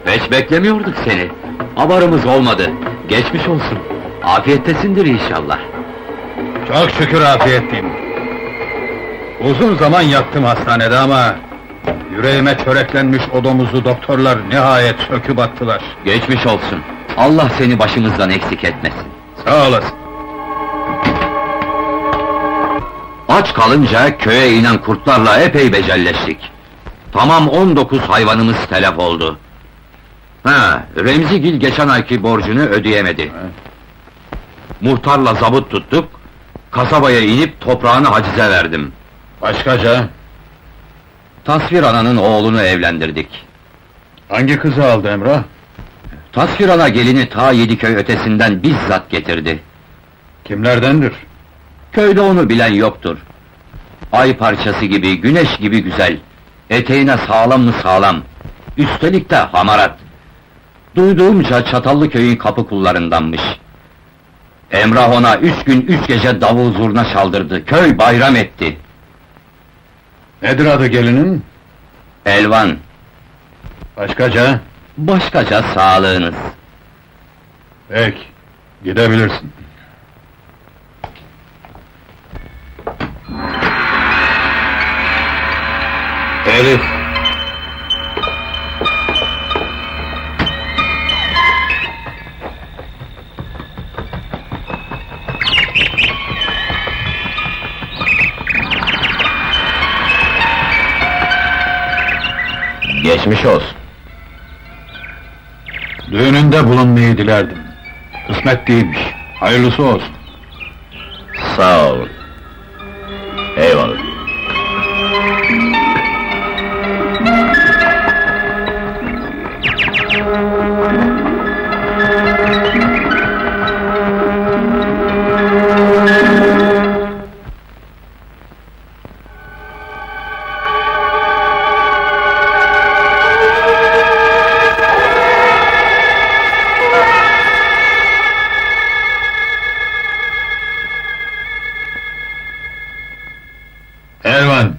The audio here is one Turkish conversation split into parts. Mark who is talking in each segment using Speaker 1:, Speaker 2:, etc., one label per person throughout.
Speaker 1: Hiç beklemiyorduk seni. Haberimiz olmadı. Geçmiş olsun. Afiyettesindir inşallah.
Speaker 2: Çok şükür afiyetliyim. Uzun zaman yattım hastanede ama... ...yüreğime çöreklenmiş o domuzu doktorlar nihayet söküp attılar.
Speaker 1: Geçmiş olsun. Allah seni başımızdan eksik etmesin.
Speaker 2: Sağ olasın.
Speaker 1: Aç kalınca köye inen kurtlarla epey becelleştik. Tamam 19 hayvanımız telef oldu. Remzigil geçen ayki borcunu ödeyemedi. Muhtarla zabıt tuttuk, kasabaya inip toprağını hacize verdim.
Speaker 2: Başkaca?
Speaker 1: Tasvir ananın oğlunu evlendirdik.
Speaker 2: Hangi kızı aldı Emrah?
Speaker 1: Tasvir ana gelini ta Yediköy ötesinden bizzat getirdi.
Speaker 2: Kimlerdendir?
Speaker 1: Köyde onu bilen yoktur. Ay parçası gibi, güneş gibi güzel. Eteğine sağlam mı sağlam. Üstelik de hamarat. Duyduğumca Çatallıköy'ün kapı kullarındanmış. Emrah ona 3 gün 3 gece davul zurna çaldırdı, köy bayram etti.
Speaker 2: Nedir adı gelinin?
Speaker 1: Elvan,
Speaker 2: Başkaca?
Speaker 1: başkaca sağlığınız.
Speaker 2: Peki, gidebilirsin. Elif!
Speaker 1: Geçmiş olsun.
Speaker 2: Düğününde bulunmayı dilerdim. Kısmet değilmiş, hayırlısı olsun.
Speaker 1: Sağ olun. Eyvallah.
Speaker 2: Elvan!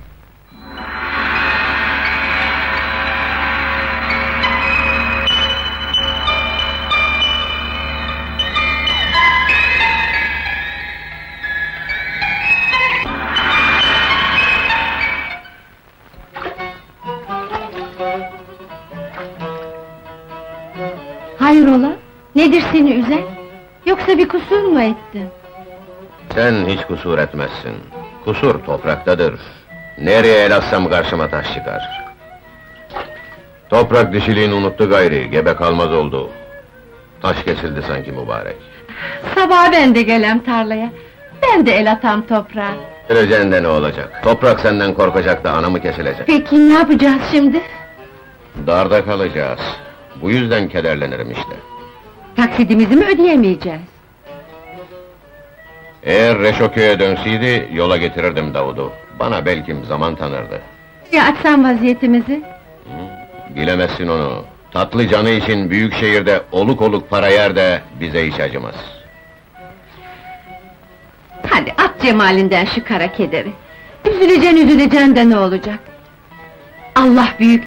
Speaker 3: Hayrola? Nedir seni üzen? Yoksa bir kusur mu ettin?
Speaker 4: Sen hiç kusur etmezsin. Kusur topraktadır. Nereye el atsam karşıma taş çıkar. Toprak dişiliğini unuttu gayri, gebe kalmaz oldu. Taş kesildi sanki mübarek.
Speaker 3: Sabah ben de gelem tarlaya. Ben de el atam toprağa.
Speaker 4: Öleceğin de ne olacak? Toprak senden korkacak da anamı kesilecek.
Speaker 3: Peki ne yapacağız şimdi?
Speaker 4: Darda kalacağız. Bu yüzden kederlenirim işte.
Speaker 3: Taksidimizi mi ödeyemeyeceğiz?
Speaker 4: Eğer Reşoköy'e dönseydi, yola getirirdim Davud'u. Bana belkim zaman tanırdı.
Speaker 3: Ya açsam vaziyetimizi?
Speaker 4: Bilemezsin onu. Tatlı canı için büyük şehirde oluk oluk para yer de bize hiç acımaz.
Speaker 3: Hadi at cemalinden şu kara kederi. Üzüleceksin de ne olacak? Allah büyük